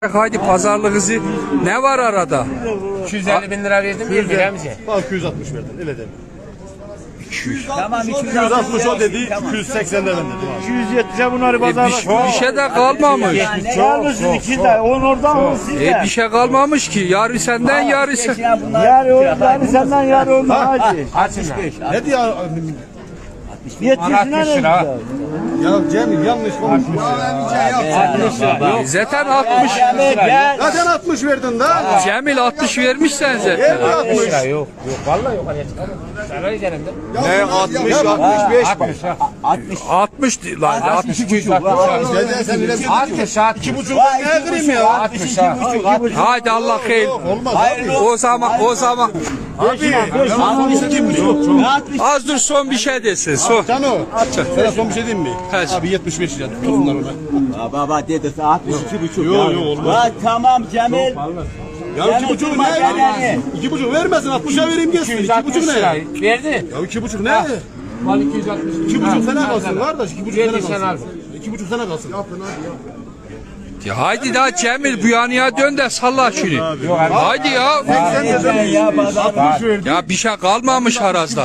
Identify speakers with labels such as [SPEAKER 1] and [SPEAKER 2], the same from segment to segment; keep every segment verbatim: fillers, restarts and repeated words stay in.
[SPEAKER 1] Haydi pazarlık hızı ne var arada?
[SPEAKER 2] iki yüz elli bin lira verdim mi? Veremeyeceğim.
[SPEAKER 3] Bak iki yüz altmış verdin öyle dedim.
[SPEAKER 1] iki yüz.
[SPEAKER 4] Tamam
[SPEAKER 3] iki yüz altmış o dedi, iki yüz seksen de ben dedim.
[SPEAKER 4] iki yüz yetmişe bunları
[SPEAKER 1] E, bir,
[SPEAKER 4] pazarla.
[SPEAKER 1] bir şey de kalmamış.
[SPEAKER 4] Ne almışsın iki de? On oradan on
[SPEAKER 1] E,
[SPEAKER 4] sizden.
[SPEAKER 1] bir şey kalmamış ki. Yarı senden yarı sen.
[SPEAKER 4] Yarı o, yarı senden yarı ondan hacı.
[SPEAKER 2] Kaçın lan?
[SPEAKER 3] Ne diyor?
[SPEAKER 4] Yetmişine
[SPEAKER 2] altmış
[SPEAKER 4] ne
[SPEAKER 2] lira.
[SPEAKER 4] güzel.
[SPEAKER 3] Ya Cemil yanlış konuşmuş.
[SPEAKER 2] altmış lira. Yok.
[SPEAKER 1] Zaten altmış.
[SPEAKER 4] Gel.
[SPEAKER 3] Zaten altmış verdin da.
[SPEAKER 1] Cemil altmış vermiş sen zaten.
[SPEAKER 3] Geldi
[SPEAKER 2] altmış
[SPEAKER 3] altmış.
[SPEAKER 2] lira yok. Yok vallahi yok. Hani çıkamam. Sana gidelim de.
[SPEAKER 3] Ne altmış, altmış beş bak.
[SPEAKER 2] altmış.
[SPEAKER 1] altmış değil lan. altmış.
[SPEAKER 2] iki yüz altmış.
[SPEAKER 3] Dede sen öyle bir
[SPEAKER 2] altmış.
[SPEAKER 3] iki buçuk ne kırayım ya?
[SPEAKER 2] altmış.
[SPEAKER 1] Haydi Allah hayır.
[SPEAKER 3] Olmaz abi.
[SPEAKER 1] O zaman o zaman
[SPEAKER 3] Abi. altmış iki buçuk.
[SPEAKER 1] az dur son bir şey desin. Son.
[SPEAKER 3] Cano. Sana son bir şey diyeyim mi?
[SPEAKER 1] Kaç?
[SPEAKER 3] Abi yetmiş beş lira tutunlar ona.
[SPEAKER 4] Baba dedesi altmış iki buçuk.
[SPEAKER 3] Yok yok olmaz.
[SPEAKER 4] Ha, tamam Cemil.
[SPEAKER 3] Ya iki buçuk
[SPEAKER 4] durma
[SPEAKER 3] ne?
[SPEAKER 4] yani.
[SPEAKER 3] İki buçuk vermesin altmışa vereyim gelsin.
[SPEAKER 2] iki yüz
[SPEAKER 3] İki
[SPEAKER 2] altmış
[SPEAKER 3] buçuk ne?
[SPEAKER 2] lira. Verdi.
[SPEAKER 3] Ya iki buçuk ne?
[SPEAKER 2] Mal iki yüz altmış.
[SPEAKER 3] İki buçuk sene kalsın kardeş. İki buçuk sene
[SPEAKER 2] Verdi sen al.
[SPEAKER 3] kalsın. İki buçuk sene kalsın.
[SPEAKER 1] Ya haydi daha Cemil bu yanıya dön de salla şunu. Haydi ya.
[SPEAKER 4] Ya pazarla.
[SPEAKER 1] Ya bir şey kalmamış harazda.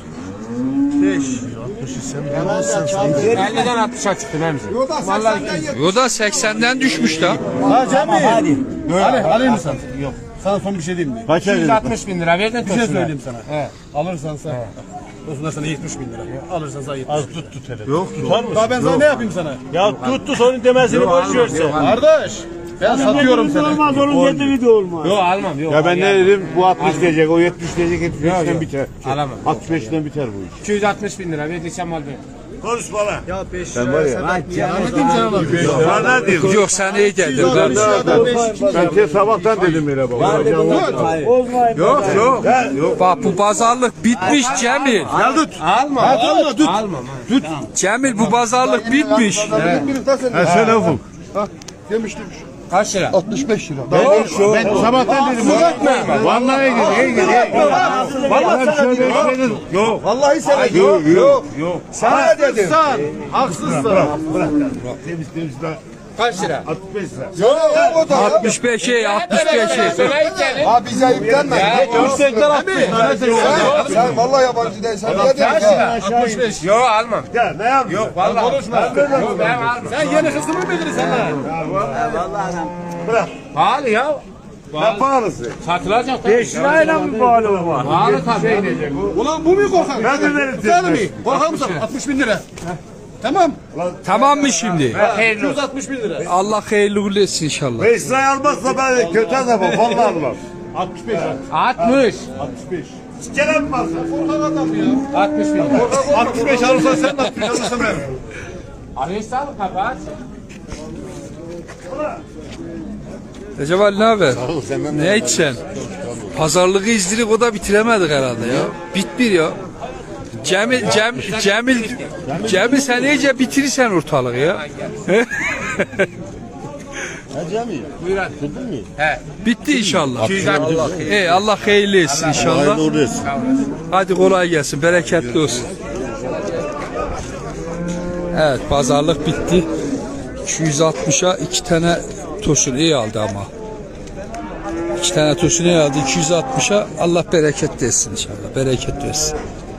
[SPEAKER 2] elliden altmışa çıktı Remzi. Vallahi
[SPEAKER 1] O da seksenden düşmüş da.
[SPEAKER 3] Ha Cemil.
[SPEAKER 4] Hadi.
[SPEAKER 3] Ali, alayım mı sen? Yok. Sana son bir şey diyeyim mi?
[SPEAKER 4] Kaç
[SPEAKER 2] iki yüz altmış bin lira verdin.
[SPEAKER 3] Bir şey söyleyeyim sana.
[SPEAKER 2] He.
[SPEAKER 3] Alırsan sen. Olsun sana yetmiş bin lira. Alırsan sana yetmiş.
[SPEAKER 4] Az tut tut hele. Yok tutar mısın?
[SPEAKER 3] Daha ben sana ne yapayım sana?
[SPEAKER 4] Ya tut tut onun demesini boş ver sen.
[SPEAKER 3] Kardeş. Ben satıyorum seni.
[SPEAKER 4] Olmaz onun dediği de olmaz.
[SPEAKER 2] Yok almam yok.
[SPEAKER 5] Ya ben ne dedim? Bu altmış diyecek, o yetmiş diyecek, yetmiş beşten biter.
[SPEAKER 2] Alamam.
[SPEAKER 5] altmış beşten biter bu iş.
[SPEAKER 2] iki yüz altmış bin lira verdi sen mal ver.
[SPEAKER 4] Konuşma lan.
[SPEAKER 5] Ben var ya.
[SPEAKER 3] Bana diyeyim.
[SPEAKER 1] Yok sen iyi geldin kardeş.
[SPEAKER 5] Ben size sabahtan dedim öyle baba.
[SPEAKER 4] Bozmayın.
[SPEAKER 5] Yok yok. Yok.
[SPEAKER 1] Bak bu pazarlık bitmiş Cemil.
[SPEAKER 3] Gel tut.
[SPEAKER 2] Alma.
[SPEAKER 3] Alma tut.
[SPEAKER 2] Almam.
[SPEAKER 1] Cemil bu pazarlık bitmiş.
[SPEAKER 5] Ha söyle Ufuk.
[SPEAKER 3] Demiştim.
[SPEAKER 2] Kaç lira?
[SPEAKER 3] altmış beş lira.
[SPEAKER 5] Ben sabahtan dedim. Vallahi gidi, iyi gidi. Vallahi şöyle dedim. Yok.
[SPEAKER 3] Vallahi sana
[SPEAKER 5] Yok yok. Yok.
[SPEAKER 3] Sana dedim. Haksızsın.
[SPEAKER 5] Bırak. Temiz temiz daha.
[SPEAKER 2] Kaç lira?
[SPEAKER 5] altmış beş lira.
[SPEAKER 3] Yok yok o da.
[SPEAKER 1] altmış beşe altmış beşe.
[SPEAKER 2] Sana gidelim.
[SPEAKER 3] Ha bize yüklenme.
[SPEAKER 5] Yüksekten altmış.
[SPEAKER 3] Sen, sen vallahi yabancı değilsin. Niye diyorsun ya?
[SPEAKER 2] altmış beş. Yok almam.
[SPEAKER 5] Ya ne yapıyorsun?
[SPEAKER 2] Yok vallahi. Konuşma. Yok ben almam.
[SPEAKER 3] Sen yeni kızımı mı bilirsin sen?
[SPEAKER 2] Pahalı ya.
[SPEAKER 5] Ne pahalısı?
[SPEAKER 2] Satılacak tabii.
[SPEAKER 4] beş lirayla mı bağlı var?
[SPEAKER 2] Pahalı tabii.
[SPEAKER 3] Ulan bu mu korkan?
[SPEAKER 5] Ben de veririm.
[SPEAKER 3] Sen mi? Korkar mısın? altmış bin lira. Tamam.
[SPEAKER 1] Tamam mı şimdi?
[SPEAKER 2] Hayırlı
[SPEAKER 3] iki yüz
[SPEAKER 2] olsun.
[SPEAKER 3] altmış bin lira.
[SPEAKER 1] Allah hayırlı uğurlu etsin inşallah.
[SPEAKER 5] beş lirayı almazsa ben kötü adamım. Vallahi almam.
[SPEAKER 3] altmış beş.
[SPEAKER 2] altmış.
[SPEAKER 3] altmış beş.
[SPEAKER 5] Gelen mi varsa?
[SPEAKER 3] Korkan adam ya.
[SPEAKER 2] altmış bin.
[SPEAKER 3] altmış beş alırsan sen de altmış beş alırsan ben.
[SPEAKER 2] Arıyorsan kapat.
[SPEAKER 1] Recep Ali ne haber? Ne içsen? Pazarlığı izledik o da bitiremedik herhalde ya. Bitmir ya. Cemil, Cem, Cemil, Cemil sen iyice bitirirsen ortalığı ya.
[SPEAKER 2] Buyur hadi. He.
[SPEAKER 1] Bitti inşallah.
[SPEAKER 2] iki yüz altmış.
[SPEAKER 1] Ey Allah hayırlı etsin inşallah.
[SPEAKER 5] Doğru etsin.
[SPEAKER 1] Hadi kolay gelsin, bereketli olsun. Evet, pazarlık bitti. iki yüz altmışa iki tane tosun iyi aldı ama. İki tane tosun iyi aldı. iki yüz altmışa Allah bereket versin inşallah. Bereket versin.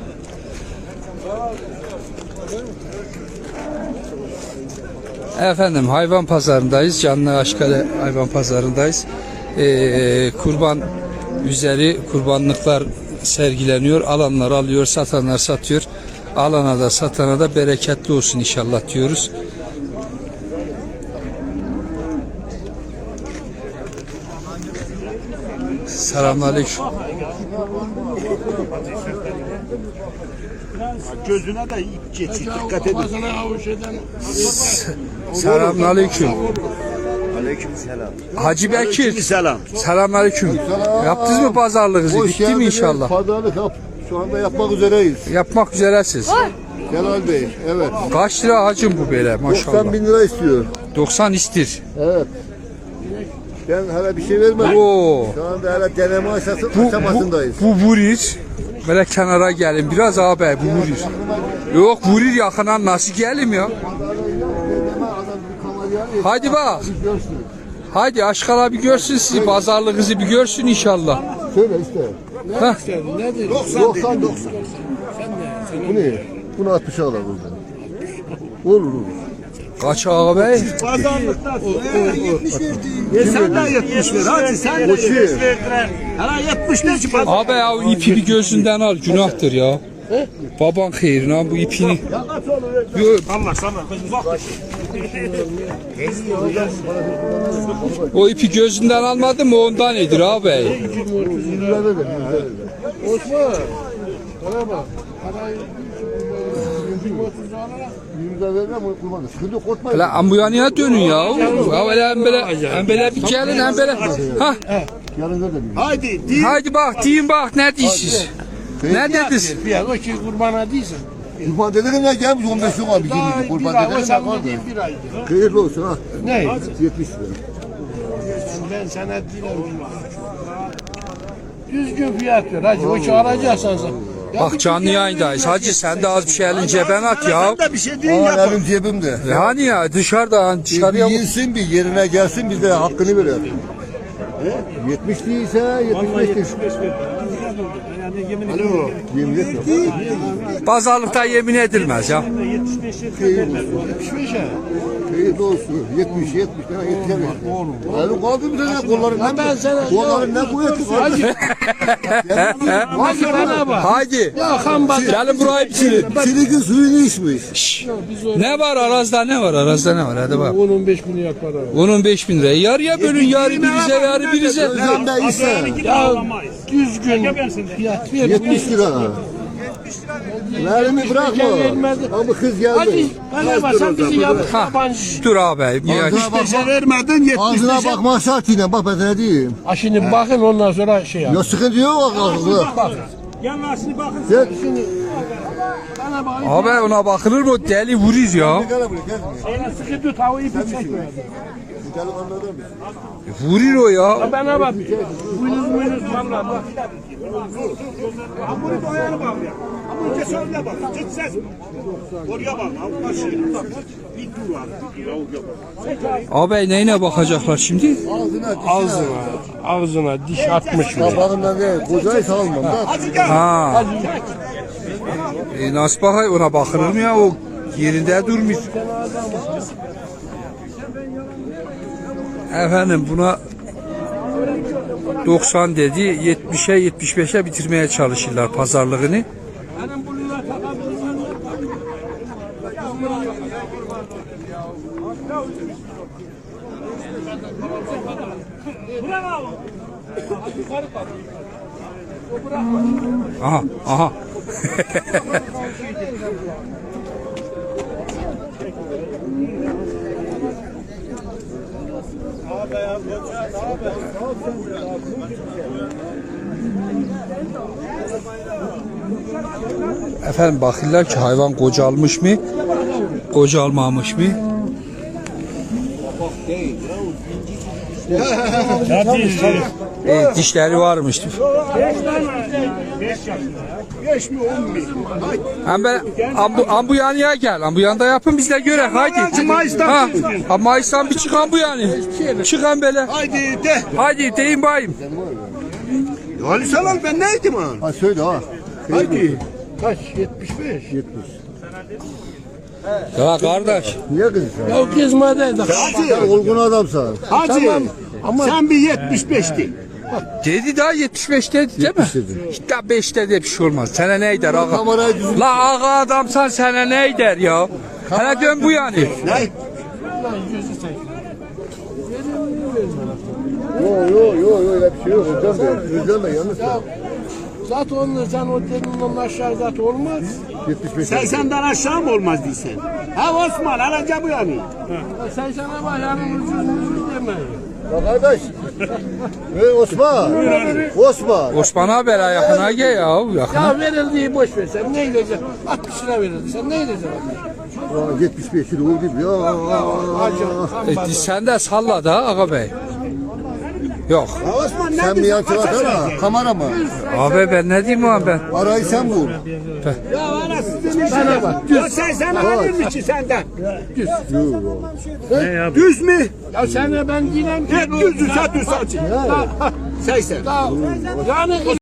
[SPEAKER 1] Efendim hayvan pazarındayız. Canlı Aşkale hayvan pazarındayız. Ee, kurban üzeri kurbanlıklar sergileniyor. Alanlar alıyor, satanlar satıyor. Alana da satana da bereketli olsun inşallah diyoruz. Selamünaleyküm.
[SPEAKER 5] Gözüne de ip geçir. Dikkat edin.
[SPEAKER 1] Selamünaleyküm.
[SPEAKER 5] Aleyküm selam.
[SPEAKER 1] Hacı Bekir.
[SPEAKER 5] Selam.
[SPEAKER 1] Selamünaleyküm. Yaptınız mı pazarlığınızı? Bitti mi inşallah?
[SPEAKER 3] Pazarlık yap. Şu anda yapmak üzereyiz.
[SPEAKER 1] Yapmak üzeresiniz.
[SPEAKER 3] Celal Bey, evet.
[SPEAKER 1] Kaç lira hacım bu böyle maşallah?
[SPEAKER 3] doksan bin lira istiyor.
[SPEAKER 1] doksan istir.
[SPEAKER 3] Evet. Ben hala bir şey vermedim.
[SPEAKER 1] Oo.
[SPEAKER 3] Şu anda hala deneme aşası,
[SPEAKER 1] Bu, bu,
[SPEAKER 3] aşamasındayız.
[SPEAKER 1] bu vurir. Böyle kenara gelin. Biraz abi bu vurir. Yok vurir yakına nasıl gelim ya? Hadi bak. Haydi Aşkal abi görsün sizi, pazarlığınızı bir görsün inşallah.
[SPEAKER 5] Söyle işte.
[SPEAKER 1] Hah.
[SPEAKER 5] doksan doksan. Bu ne? Bunu altmışa alalım buradan. Olur olur.
[SPEAKER 1] Kaç ağabey?
[SPEAKER 4] Pazarlıkta. E sen de yetmiş ver. Hadi sen de yetmiş ver. Hala yetmiş ne çıkar?
[SPEAKER 1] Abi ya o ipi bir gözünden al, günahtır ya. Baban hayrına bu ipini. Yok,
[SPEAKER 4] Allah sana. Uzak.
[SPEAKER 1] o ipi gözünden almadın mı ondan nedir abi?
[SPEAKER 5] Yüz lira verin. Osman. Bana bak. Yüz lira verin ama kurbanı. Sıkıntı yok, korkmayın.
[SPEAKER 1] Hele ambuyanıya dönün ya. Ya öyle hem böyle, hem böyle bir gelin hem böyle. Ha,
[SPEAKER 5] Yarın da değil.
[SPEAKER 4] Haydi. Değil.
[SPEAKER 1] haydi bak, deyin bak ne diyorsunuz? Ne dediniz?
[SPEAKER 3] Ya o ki kurbana değilsin.
[SPEAKER 5] Kurban dedenin ne gelmiş on beş yok abi.
[SPEAKER 3] Daha
[SPEAKER 5] Girmiş.
[SPEAKER 3] bir
[SPEAKER 5] Kurban
[SPEAKER 3] ay, o
[SPEAKER 5] dedenin ne
[SPEAKER 3] sen
[SPEAKER 5] kaldı?
[SPEAKER 3] dediğin bir ay.
[SPEAKER 5] Hayırlı olsun ha.
[SPEAKER 3] Ne?
[SPEAKER 5] yetmiş lira.
[SPEAKER 3] Ben sana dilerim. Düzgün fiyat ver hacı. O ki alacaksan sen. Ya
[SPEAKER 1] Bak
[SPEAKER 3] bir
[SPEAKER 1] canlı
[SPEAKER 3] şey
[SPEAKER 1] yayındayız.
[SPEAKER 3] verin,
[SPEAKER 1] Hacı sen de az bir şey elin cebine at ya.
[SPEAKER 4] Sen de bir şey değil
[SPEAKER 5] Aa,
[SPEAKER 4] yapın.
[SPEAKER 5] elim cebimde.
[SPEAKER 1] E Hani ya dışarıda hani
[SPEAKER 5] Bir
[SPEAKER 1] dışarıya mı?
[SPEAKER 5] yinsin bir yerine gelsin biz de hakkını verelim. yetmiş değilse yetmiş beş.
[SPEAKER 4] Alo.
[SPEAKER 5] Yemin et.
[SPEAKER 1] Pazarlıkta yemin edilmez ya.
[SPEAKER 5] Hayırlı olsun. yetmiş yetmiş tane yetişemez. Elim kaldı bir tane kolların
[SPEAKER 3] Ben sana-
[SPEAKER 5] kolların ne kuvveti var.
[SPEAKER 3] Hacı bana bak.
[SPEAKER 1] Haydi.
[SPEAKER 3] Ya kan bak.
[SPEAKER 1] Gelin burayı bitirin.
[SPEAKER 5] Çilikin suyunu içmiş.
[SPEAKER 1] Ne var arazda ne var arazda ne var hadi bak.
[SPEAKER 3] on on beş bin yapar abi.
[SPEAKER 1] on on beş bin lira. Yarıya bölün yarı birize yarı birize.
[SPEAKER 5] Gözümde ise
[SPEAKER 3] Ya düzgün fiyat ver.
[SPEAKER 5] yetmiş lira. Elimi bırakma. Ama kız
[SPEAKER 3] Hacı
[SPEAKER 5] geldi.
[SPEAKER 3] bana bak sen bizi yap-
[SPEAKER 1] Ha,
[SPEAKER 3] yabancı.
[SPEAKER 1] dur abi. Ya,
[SPEAKER 5] Ağzına
[SPEAKER 4] Beşe
[SPEAKER 5] bakma.
[SPEAKER 4] vermedin yetmiş
[SPEAKER 5] Ağzına
[SPEAKER 4] beşe.
[SPEAKER 5] bakma şartıyla bak ben sana diyeyim.
[SPEAKER 3] Ha şimdi bakın ondan sonra şey yap.
[SPEAKER 5] Ya sıkıntı yok ağzına.
[SPEAKER 4] Yanlarını bakın.
[SPEAKER 5] Sen
[SPEAKER 3] Bana bak.
[SPEAKER 1] abi ona bakılır mı? Deli vurur ya.
[SPEAKER 5] gel buraya gel.
[SPEAKER 3] Sana sıkı tut havayı bir çekme.
[SPEAKER 5] Bu delikanlılardan mısın?
[SPEAKER 1] Vurur o ya.
[SPEAKER 3] Bana bak. Buyuruz buyuruz valla bak.
[SPEAKER 4] Hamuru doyarı bak ya. Hamuru kes oraya bak. Çıt ses. Oraya bak. Allah şey. Bir dur abi.
[SPEAKER 1] Abi neyine bakacaklar şimdi?
[SPEAKER 5] Ağzına
[SPEAKER 3] Ağzına, ağzına diş atmış mı?
[SPEAKER 5] Kabağından değil. Kocayı salmam da.
[SPEAKER 4] Hadi gel.
[SPEAKER 1] Ha. E, nasıl bakay ona bakılır mı ya o yerinde durmuyor. Efendim buna doksan dedi yetmişe yetmiş beşe bitirmeye çalışırlar pazarlığını. Aha aha. Efendim bakırlar ki hayvan kocalmış mı? Kocalmamış mı? E, dişleri varmış.
[SPEAKER 4] Beş mi on mi?
[SPEAKER 1] Hem ben ambu, ambu yanıya gel. Ambu yanında yapın biz de göre. Haydi.
[SPEAKER 4] Mayıs'tan
[SPEAKER 1] Ha,
[SPEAKER 4] çıksın.
[SPEAKER 1] ha, Mayıs'tan bir çıkan bu yani. Çıkan böyle.
[SPEAKER 4] Haydi de.
[SPEAKER 1] Haydi deyin bayım.
[SPEAKER 4] Ali Salal ben neydim ha?
[SPEAKER 5] Ha söyle ha.
[SPEAKER 4] Haydi.
[SPEAKER 3] Kaç? yetmiş beş.
[SPEAKER 5] yetmiş.
[SPEAKER 1] Ya kardeş.
[SPEAKER 5] Niye kızıyorsun?
[SPEAKER 3] Ya gezmedeydi.
[SPEAKER 5] Sen olgun adamsın.
[SPEAKER 4] Hacı. Sen bir yetmiş beşti.
[SPEAKER 1] Dedi daha yetmiş beş dedi değil mi?
[SPEAKER 5] yetmiş dedi.
[SPEAKER 1] İşte beşte de bir şey olmaz. Sana ne eder ağa?
[SPEAKER 5] Kamerayı düzgün.
[SPEAKER 1] La ağa adamsan sana ne eder ya? Hele dön bu yani.
[SPEAKER 4] Ne?
[SPEAKER 5] Yok yok yok öyle bir şey yok. Özlem Bey. Özlem Bey yalnız.
[SPEAKER 3] Zaten onu sen o dedin onun aşağı zaten olmaz.
[SPEAKER 5] yetmiş beş.
[SPEAKER 4] Sen senden aşağı mı olmaz diysen? Ha Osman alacağım bu yani.
[SPEAKER 3] Ya sen sana bak yarın ucuz ucuz demeyin.
[SPEAKER 5] Ya kardeş. Hey Osman. Osman.
[SPEAKER 1] Osman haber yakına gel ya. Yakına.
[SPEAKER 3] Ya verildiği boş ver sen ne edeceksin? altmış lira verildi sen ne edeceksin?
[SPEAKER 5] Aa, yetmiş beş lira oldu ya.
[SPEAKER 3] Hacı.
[SPEAKER 1] E, sen de salla da ağa bey. Yok.
[SPEAKER 4] Ha Osman ne
[SPEAKER 5] Sen mi
[SPEAKER 4] diyorsun?
[SPEAKER 5] yan tarafta kamera mı?
[SPEAKER 1] Abi ben ne diyeyim abi ben?
[SPEAKER 5] Arayı sen bul.
[SPEAKER 4] Ya ana sizin Bana bak. Düz. Ya sen sana alır mı ki senden? Düz. Düz mü?
[SPEAKER 2] Ya sen de ben yine
[SPEAKER 4] Ne düzü sen düz saçın. seksen.
[SPEAKER 2] yani